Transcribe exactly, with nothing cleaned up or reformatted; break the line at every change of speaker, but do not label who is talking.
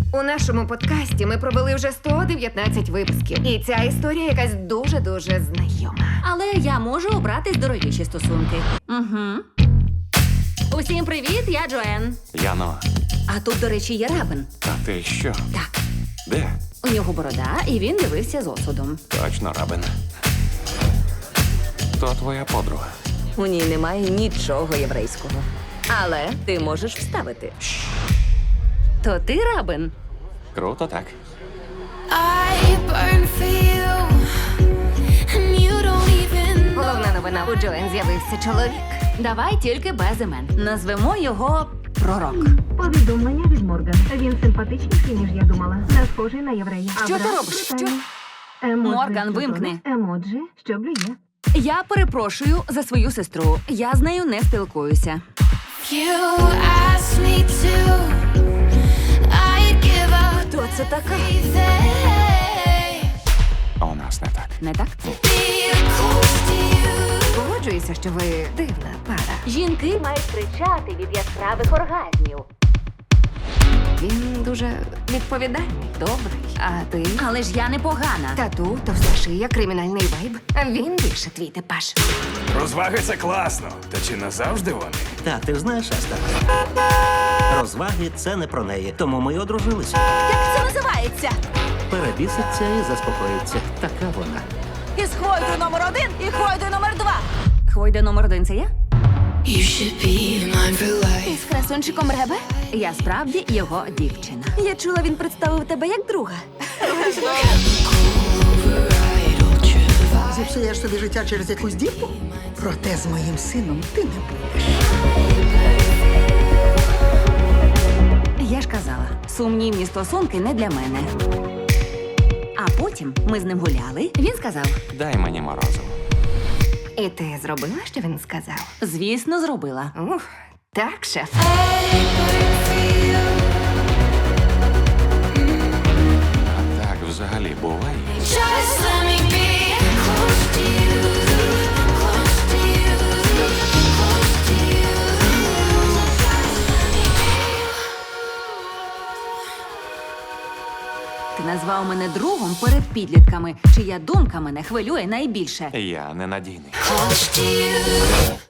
У нашому подкасті ми провели вже сто дев'ятнадцять випусків. І ця історія якась дуже-дуже знайома.
Але я можу обрати здоровіші стосунки. Угу. Усім привіт, я Джоен.
Яно,
А тут, до речі, є Рабин.
а ти що?
Так,
Де?
у нього борода, і він дивився з осудом.
Точно, Рабин. Хто твоя подруга?
У ній немає нічого єврейського. Але ти можеш вставити.
То ти Рабин?
Круто, так?
I burn for you, and you don't even know.
Головна новина, у Джоен з'явився чоловік.
Давай тільки без імен. Назвемо його Пророк.
Повідомлення від Морган. Він симпатичніший, ніж я думала. Не схожий на єврея.
Що
А
ти
брат
робиш?
брутальний.
Що?
Емоджі,
Морган,
що
вимкни.
тоне. Емоджі, що блює.
Я перепрошую за свою сестру. Я з нею не спілкуюся.
You asked me to, I'd give up
Хто це така?
everything.
У нас не так.
Не так?
Be close to you.
Погоджуюся, що ви дивна пара.
Жінки мають кричати від яскравих оргазмів.
Він дуже відповідальний, добрий. А ти?
Але ж я не погана.
Тату, товста шия, кримінальний вайб. Він більше твій типаж.
Розваги це класно. Та чи назавжди вони?
Та ти ж знаєш, Аста. Розваги це не про неї, тому ми й одружилися.
Як це називається?
Перебіситься і заспокоїться. Така вона.
Із Хвойдою номер один і Хвойдою номер два. Хвойда номер один це я?
You should be mine for life.
Із красунчиком Ребе? Я справді його дівчина. Я чула, він представив тебе як друга.
Зіпсуєш собі життя через якусь дівку? Проте з моїм сином ти не будеш.
Я ж казала, сумнівні стосунки не для мене. А потім ми з ним гуляли. Він сказав:
Дай мені морозиво.
І ти зробила, що він сказав?
звісно, зробила.
Ух, так, шеф.
А так взагалі буває.
Just let me be close to you, close to you, close to you.
Ти назвав мене другом перед підлітками, чия думка мене хвилює найбільше.
Я ненадійний.
Close to you.